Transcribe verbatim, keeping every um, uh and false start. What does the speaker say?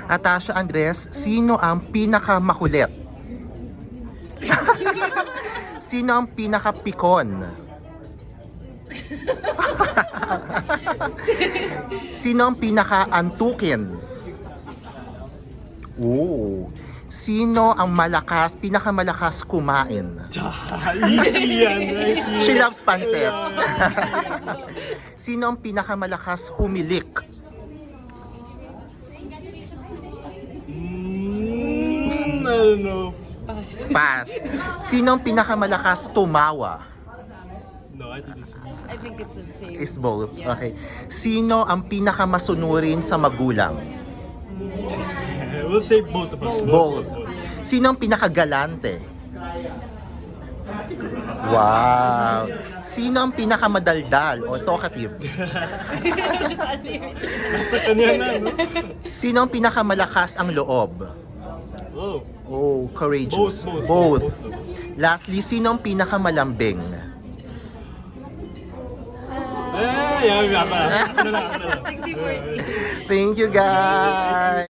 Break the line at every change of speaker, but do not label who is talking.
Atasha Andres, sino ang pinakamakulit? Sino ang pinakapikon? Sino ang pinaka-antukin? Oo. Sino ang malakas, pinakamalakas kumain?
Easy yan, right?
She loves pancit. Sino ang pinakamalakas humilik?
Mm, I don't know.
Pass. Sino ang pinakamalakas tumawa?
No, I think it's me.
I think it's the same.
Is both.
Yeah.
Okay. Sino ang pinakamasunurin sa magulang?
We'll say both of us.
Both. Sino ang pinakagalante? Wow. Sino ang pinakamadaldal o talkative?
Sa kanya na, no?
Sino ang pinakamalakas ang loob?
Oh.
Oh, courageous.
Both, both.
Both.
Both.
Lastly, sino ang pinakamalambing?
Eh, yeah, yeah, yeah. Ano na, ano na.
sixty forty.
Thank you, guys.